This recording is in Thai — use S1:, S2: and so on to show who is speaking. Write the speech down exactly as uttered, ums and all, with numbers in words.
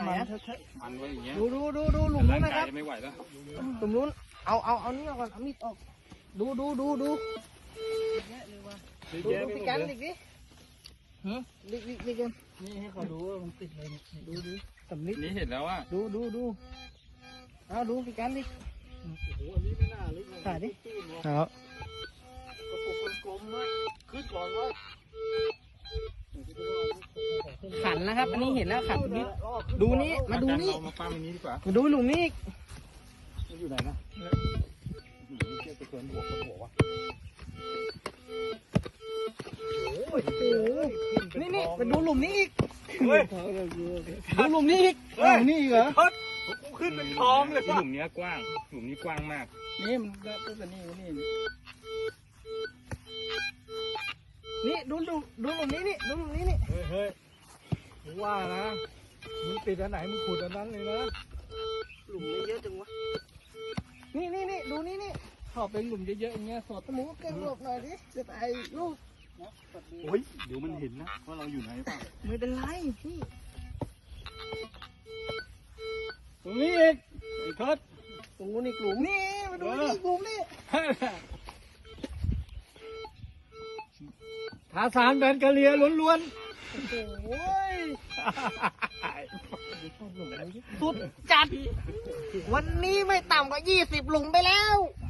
S1: มัน
S2: มันไว้อย่างเงี้ย
S1: ดูดูดูดูหลุมนู้นนะครับ
S2: ไม่ไหวแล้ว
S1: หลุมนู้นเอาเอาเอานี่ออกก่อนเอามีดออกดูดูดูดูดูดูพี่กันดิดิฮะดิดิดิกันนี่ให้เขาดูว่ามันติดเลยดูดูสำลิด
S2: นี่เห็นแล้วว่า
S1: ดูดูดูเอาดูพี่กันดิ
S3: โอ้โหอันนี้ไม่น่าลึกเลย
S1: ถ่ายดิ
S3: ครับกระปุกกลมๆนะขึ้นก่อนว่า
S1: ขันนะครับ อันนี้เห็นแล้วขันนิดดูนี่มาดูนี่
S2: เรามาปั้มอันนี้ดีกว่า
S1: มาดูหลุมนี้อีก
S2: มันอยู่ไหนนะหืมเทียบไปเกินหัวคนหัววะ
S1: โอ้โหนี่นี่มาดูหลุมนี้อีก
S3: เฮ้ย
S1: ดูหลุมนี้อีกหลุมนี้อีกเหรอ
S3: กูขึ้นเป็นคลองเลย
S2: หลุมเนี้ยกว้าง หลุมนี้กว้างมาก
S1: นี่มันก็ตัวนี้นี่นี่ดูดูดูหลุมนี้นี่ดูหลุมนี้นี่
S3: เฮ้ยเฮ้ยมึงว่านะมึงติดอันไหนมึงขุดอันนั้นเลยนะ
S1: หลุมนี้เยอะจังวะนี่นี่นี่ดูนี่นี่ขอเป็นหลุมเยอะๆอย่างเงี้ยสอดตะมูเก่งหลบหน่อยดิจะตายลูก
S2: โอ้ยเดี๋ยวมันเห็นนะว่าเราอยู่ไหนเปล่า
S1: ไม่เป็นไรพี่
S3: ตรงนี้อีกไอ้ทศ
S1: ตรงนู้นอีกหลุมนี่มาดูนี่อีกหลุมนี่
S3: ทาสารแบนกะเลียล้วน
S1: โอ้ยสุดจัดวันนี้ไม่ต่ำกว่ายี่สิบหลุมไปแล้ว
S3: ๆ